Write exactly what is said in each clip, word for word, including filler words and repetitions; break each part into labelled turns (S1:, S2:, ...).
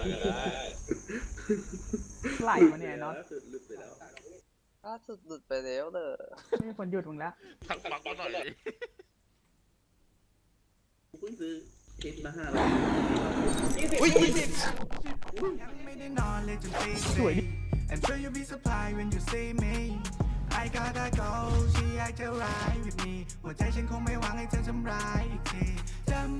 S1: มาก็ได้
S2: ไหลมาเนี่ยเนาะ
S1: สุดหลุดไปแล้ว
S3: ล่าสุดหลุดไปแล้วเด้อ
S2: ไม่มีคนหยุดมึงแล้ว
S4: ทักฟังมาหน่อยดิ
S1: กูเพิ่งซื้อเอ็ดมาห้าร้อย
S4: อุ้ยยี่สิบ
S2: สวยดิ
S5: I'm sure you'll be surprised when you see me I gotta go ฉันอยากจะ ride with me หัวใจฉันคงไม่หวังให้เธอทำร้ายอีกทีจำ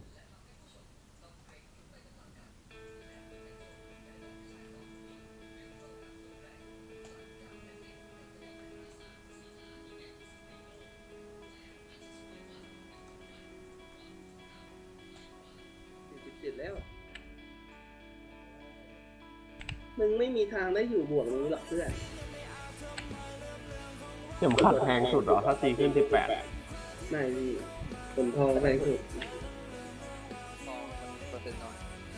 S1: สิบเจ็ดแล้วมึงไม่มีทางได้อยู่บวกนี้หรอกเพื่อน
S6: เข็มขัดแพงสุดเหรอ ถ้าตีขึ้นสิบแปด
S1: ไม่พี่ผลทองแพงสุด
S3: ทองมันเปอร์เซ็นต์น้อย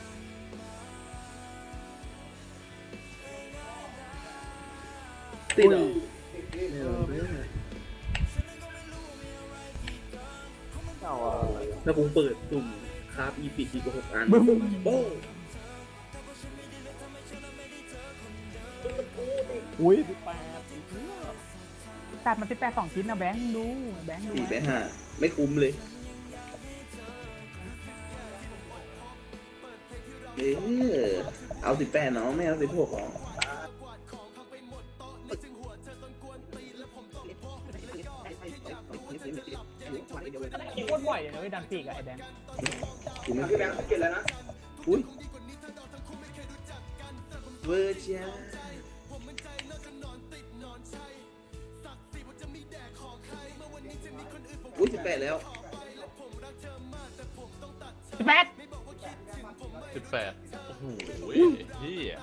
S1: ติดเหรอไม่หรอกเพื่อนแล้วกูเปิดตุ่มคราฟอีปิดอีกหกอัน
S2: บึ้ม
S1: โบ้ง
S6: อุ้ยสิบแปด
S2: ตัดมาสิบแปดสองชิ้นนะแบงค์ดูแบงค์ดู
S1: สี่ไปห้าไม่คุ้มเลยเออเอาสิบแปดเนาะไม่เอาสิบหกหรอ
S2: คิดโคตรบ่อยเลยนะเว้ยดันปีกอะไอ้แบงค์
S1: กูไม่แบงค์เก็บแล้วนะอุ้ยเวอร์จ้าอุ้ยสิบแปดแล้ว
S2: สิบแปด
S4: สิบแปดโอ้โหเฮีย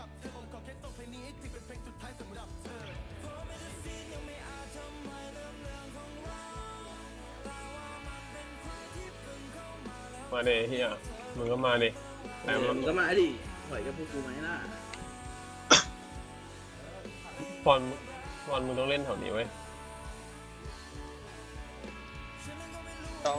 S6: มาเนเฮียมึงก็มาเนแต่
S1: แต่
S6: มั
S1: มัน นก็มาดิถอยกับพวกกูไหมล่ะ
S6: ฟอนฟอนมึงต้องเล่นแถวนี้เว้ย
S3: ต้อง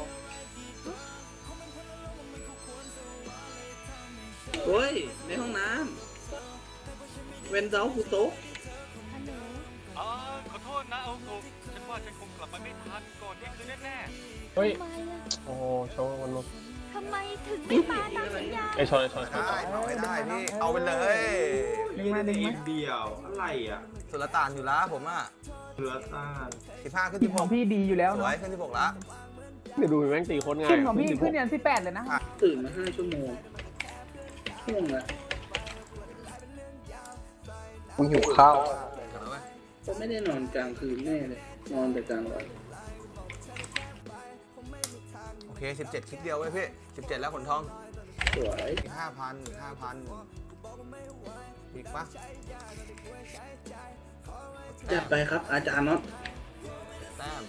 S1: โอ้ยในห้องน้ำเวนเซาคูโต๊ะ
S7: อ๋อขอโทษนะเอาโกฉันว่าฉันคงกลับมาไม่ทันก่อนเที่ยงคืนแน่
S6: เฮ้ย
S8: ทำไมอะ
S6: โอ้โหโชว์มันมา
S8: ทำไมถึงไม่มาตามสัญญา
S6: ไอชอนไอชอนชอน
S9: ได้เอาไม่ได้พี่ เอาไปเลย
S2: ดึงมาดึงมา
S10: เดียวอะไรอ่ะ
S9: สุลต่านอยู่แล้วผมอ่ะ
S10: เรือต้าน
S9: สิบห้าขึ้น
S2: ที
S9: สิ
S2: ม
S9: บ
S2: ข
S9: ห
S2: อง
S9: ก
S2: พี่ดีอยู่แล้ว
S9: สว
S2: เนาะ
S9: ยขึ้นสิบหกละ
S6: เดี๋ยวดูแม่งตีโคตรง่าย
S2: ทีมของพี่ขึ้นยันสิบแปดเลยนะ
S1: ตื่นมาห้าชั่วโมงช่วงละ
S3: มึงหิวข้าว
S1: ก็ไม่ได้นอนกลางคืนแน่เลย นอนแต่กลางวัน
S9: โอเคสิบเจ็ดคลิกเดียวเว้ยพี่สิบเจ็ดแล้วขนทอง
S1: สวย
S9: อีกห้าพันอีกห้าพันอีกปะ
S1: จัดไปครับอาจารย์น็อต
S9: แต้ม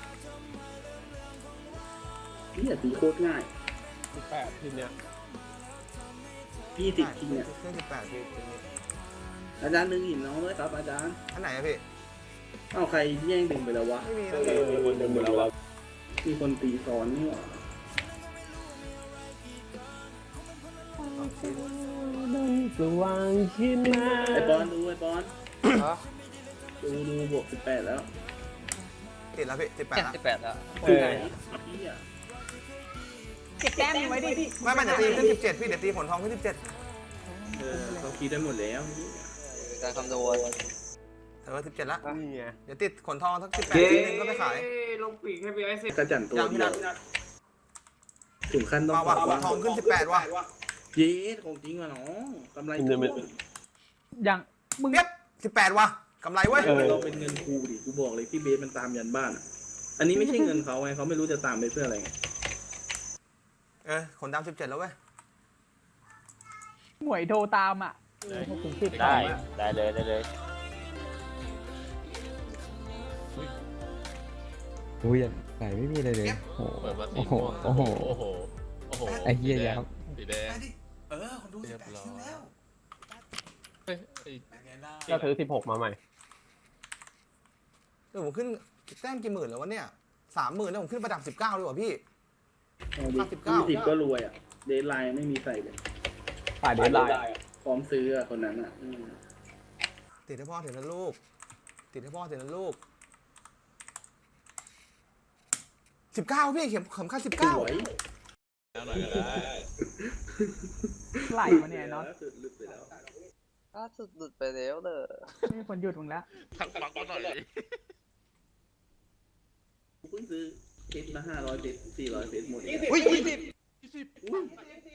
S1: พี่อย่าตีโคตรง่าย
S6: สิบแปดทีเนี้ย
S1: พี่ติดทีเนี่ย
S9: ขึ้นสิบแปดพี่
S1: อาจารย์ดึงหินน้องด้วยครับอาจารย์
S9: อันไหนอะพี่
S1: เอาใครแย่งดึงไปแล้ววะ
S9: ไม่มีนะพี่
S6: มีคนเดินหมดแล้ววะ
S1: มีคนตีซ้อนนี่หว่า
S6: สว่างขึ้นมา
S1: ไอ้บอลดูไอ้บอล
S3: ฮะ
S1: ดูดูบวกสิบแปดแล้ว
S9: ติดแล้วพี่สิบแปดละ
S3: สิบแปดแล้ว
S6: เออ
S1: พี่อ่ะ
S2: เก็บแต้มไว้ดิ
S9: ไม่ไม่เดี๋ยวตีขึ้นสิบเจ็ดพี่เดี๋ยวตีขนทองขึ้นสิบเจ็ด
S1: เออเขาคิดได้หมดแล้ว
S3: การคำนวณ
S9: เออสิบเจ็ดละ
S6: นี่ไง
S9: เดี๋ยวติดขนทองสักสิบแปดทีนึงก็ไปขาย
S10: ลงปีกให้พี่ไอ้เสร็จ
S1: กระจันตัว
S9: ยังพี่
S1: เดีย
S9: นั
S1: ว
S9: ท
S1: ถึงขั้นต้อง
S9: มาว่ะขนทองขึ้นสิบแปดว่ะ
S1: เย้ของจริงว่ะน้องกำไร
S6: มันจะเป็น
S2: อย่างมึง
S9: เปี๊ยบสิบแปดว่ะกำไรเว้ย
S1: เออเราเป็นเงินครูดิกูบอกเลยพี่เบสมันตามยันบ้านอ่ะ อันนี้ไม่ใช่เงินเขาไงเขาไม่รู้จะตามไปเพื่ออะไรไง
S9: เออขนดำสิบเจ็ดแล้วเว้ย
S2: หมวยโทรตามอ่ะหกถึงสิบ
S3: ได้ได้เลยได้เลย
S11: อุ้ยไหนไม่มีอะไรเลย โอ้
S4: เปิดมาสี
S11: โห
S4: ม่วง
S11: โอ้โห
S4: โอ้โหโอ้โห
S11: ไอ้เหี้ยยับ
S4: สีแดง
S9: เออคนดูสิบแปดคิวแล้ว
S4: เฮ้ยไอ้
S6: ก็ซื้อสิบหกมาใหม่
S9: เออผมขึ้นแต้มกี่หมื่นแล้ววะเนี่ยสามหมื่นแล้วผมขึ้นประดับสิบเก้าเลยว่ะพี่
S1: เอาดิ
S9: สิบเก้า
S1: ยี่สิบก็รวยอ่ะ เดทไลน์ไม่มีใส่เลย
S6: ฝ่ายเดนไลน์
S1: พร้อมซื้ออะคนนั้นอะอืม
S9: ติดให้พ่อเถอะนะลูก ติดให้พ่อเถอะนะลูกสิบเก้าพี่เข็มเข็มขัดสิบ
S1: ส
S9: เก้า
S1: วย
S4: แล้วหน่อยก็ได้
S2: ไหลมาเนี่ยเนาะ
S1: ล่าสุดหลุดไปแล้ว
S3: ล่าสุดหลุดไปแล้วเลย
S2: ไม่มีคนหยุดมึงแล้ว
S4: ทักฟังกูหน่อยดิ
S1: กูเพิ่งซื้อเพชรมาห้าร้อยเพชรสี่ร้อยเพชรหมด
S3: อุ้ยยี่สิบ
S4: ยี่สิบ
S1: อุ้ย